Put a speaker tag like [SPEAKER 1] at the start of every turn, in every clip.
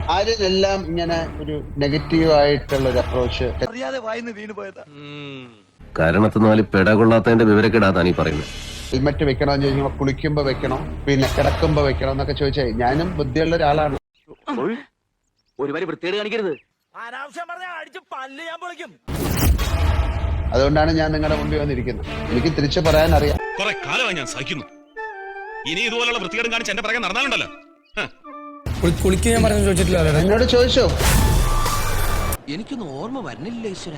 [SPEAKER 1] ആരെല്ലാം ഇങ്ങനെ ഒരു നെഗറ്റീവ് ആയിട്ടുള്ള ഒരു അപ്രോച്ച്
[SPEAKER 2] കാരണത്തിനാല് പെടകൊള്ളാത്തതിന്റെ വിവരക്കെടാതാണ് ഈ പറയുന്നത്.
[SPEAKER 1] ഹെൽമെറ്റ് വെക്കണമെന്ന് ചോദിക്കുമ്പോൾ കുളിക്കുമ്പോ വെക്കണം, പിന്നെ കിടക്കുമ്പോ വെക്കണം എന്നൊക്കെ ചോദിച്ചാൽ ഞാനും ബുദ്ധിയുള്ള ഒരാളാണ്.
[SPEAKER 3] ഒരു വരി വൃത്തികേട് കാണിക്കരുത്.
[SPEAKER 1] അതുകൊണ്ടാണ് ഞാൻ നിങ്ങളുടെ മുമ്പിൽ വന്നിരിക്കുന്നത്. എനിക്ക് തിരിച്ചു പറയാൻ അറിയാം.
[SPEAKER 4] കുറെ കാലമായി ഞാൻ സഹിക്കുന്നു. ഇനി ഇതുപോലുള്ള വൃത്തികേടും കാണിച്ച് എന്റെ പിറകെ നടന്നാലുണ്ടല്ലോ.
[SPEAKER 5] കുളിക്കാൻ ഞാൻ പറഞ്ഞു ചോദിച്ചിട്ടില്ല.
[SPEAKER 1] എന്നോട് ചോദിച്ചോ?
[SPEAKER 3] എനിക്കൊന്നും ഓർമ്മ വരുന്നില്ല ഈശ്വര.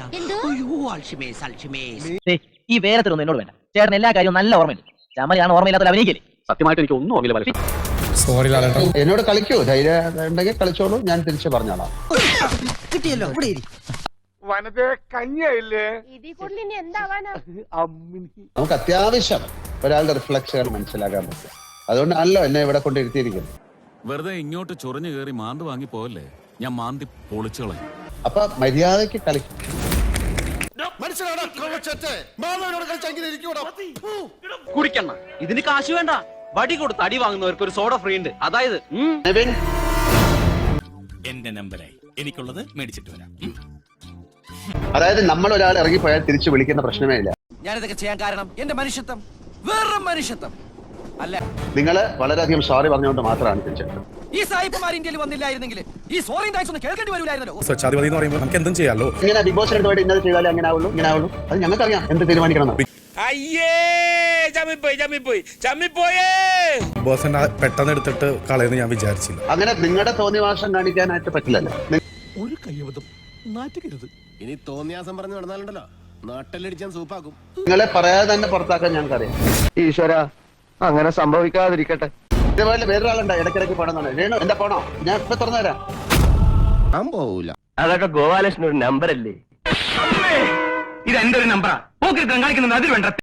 [SPEAKER 6] ഈ വേരത്തിലൊന്നും എന്നോട് വേണ്ട. ചേട്ടൻ എല്ലാ കാര്യവും നല്ല ഓർമ്മയുണ്ട്. ചമലാണ് ഓർമ്മയില്ലാത്ത അഭിനയിക്കല്ലേ.
[SPEAKER 3] സത്യമായിട്ട് എനിക്ക് ഒന്നും ഓർമ്മയില്ല.
[SPEAKER 5] സോറി ലാലേട്ടാ.
[SPEAKER 1] എന്നോട് കളിക്കൂ, ധൈര്യം ഉണ്ടെങ്കിൽ കളിച്ചോളൂ, ഞാൻ തിരിച്ചു പറഞ്ഞോളാം.
[SPEAKER 6] കിട്ടിയല്ലോ
[SPEAKER 1] നമുക്ക് അത്യാവശ്യം ഒരാളുടെ റിഫ്ലക്ഷൻ മനസ്സിലാക്കാൻ പറ്റും. അതുകൊണ്ടാണല്ലോ എന്നെ ഇവിടെ കൊണ്ടിരുത്തിയിരിക്കുന്നത്.
[SPEAKER 7] വെറുതെ ഇങ്ങോട്ട് ചൊറിഞ്ഞു കയറി മാന്ത് വാങ്ങി പോവല്ലേ, ഞാൻ മാന്തി പൊളിച്ചോളാം.
[SPEAKER 1] അപ്പൊ മര്യാദക്ക് കളിക്കും.
[SPEAKER 3] കുടിക്കണ്ണ, ഇതിന് കാശ് വേണ്ട. വടി കൊടുത്ത് അടി വാങ്ങുന്നവർക്ക് ഒരു സോഡ ഫ്രീ ഉണ്ട്. അതായത്
[SPEAKER 7] എന്റെ നമ്പരായി എനിക്കുള്ളത് മേടിച്ചിട്ട് വരാം.
[SPEAKER 1] അതായത് നമ്മൾ ഒരാൾ ഇറങ്ങിപ്പോയാൽ തിരിച്ചു വിളിക്കുന്ന പ്രശ്നമേ ഇല്ല.
[SPEAKER 3] ഞാനിതൊക്കെ ചെയ്യാൻ കാരണം എന്റെ മനുഷ്യത്വം, വേറെ മനുഷ്യത്വം അല്ല.
[SPEAKER 1] നിങ്ങള് വളരെയധികം സോറി പറഞ്ഞുകൊണ്ട് മാത്രമാണ് തിരിച്ചെടുത്തത്.
[SPEAKER 3] ഈ സായിപ്പുമാർ ഇന്ത്യയിൽ വന്നില്ലായിരുന്നെങ്കിൽ ഈ സോറി താങ്ക്സ് ഒന്ന് കേൾക്കേണ്ടി വരില്ലായിരുന്നല്ലോ.
[SPEAKER 5] സ്വച്ഛാധിപതി എന്ന് പറയുമ്പോൾ നമുക്ക് എന്തും ചെയ്യാലോ.
[SPEAKER 1] ഇങ്ങനെ ബിഗ് ബോസ് എടുത്തുപോയിട്ട് ഇന്നത് ചെയ്താലേ അങ്ങനെ ആവുള്ളൂ, ഇങ്ങനെ ആവുള്ളൂ. അത് ഞങ്ങൾക്കറിയാം എന്ത് തീരുമാനിക്കണം.
[SPEAKER 5] ബോസ് പെട്ടെന്ന് എടുത്തിട്ട് കളയെന്ന് ഞാൻ വിചാരിച്ചില്ല.
[SPEAKER 1] അങ്ങനെ നിങ്ങളുടെ തോന്നിവാസം കാണിക്കാനായിട്ട് പറ്റില്ലല്ലോ.
[SPEAKER 7] ഒരു കയ്യബദ്ധം നാറ്റുകരുത്.
[SPEAKER 2] ഇനി തോന്നിയാസം പറഞ്ഞു നടന്നാലുണ്ടല്ലോ നാട്ടിലടിച്ചാൻ സൂപ്പാക്കും.
[SPEAKER 1] നിങ്ങളെ പറയാതെ തന്നെ പുറത്താക്കാൻ ഞങ്ങൾക്കറിയാം.
[SPEAKER 3] ഈശ്വര, അങ്ങനെ സംഭവിക്കാതിരിക്കട്ടെ.
[SPEAKER 1] ഇതേപോലെ വേറൊരാളുണ്ട് ഇടയ്ക്കിടയ്ക്ക് പോണെന്നാണ്. രേണു എന്താ പോണോ? ഞാൻ ഇപ്പൊ തുറന്നു തരാം.
[SPEAKER 2] ഞാൻ പോവൂല.
[SPEAKER 3] അതൊക്കെ ഗോപാലകൃഷ്ണൻ ഒരു നമ്പർ അല്ലേ? ഇത് എന്റെ ഒരു നമ്പറാ. പോക്കിരുത്തം കാണിക്കുന്നത് അതിൽ വേണ്ട.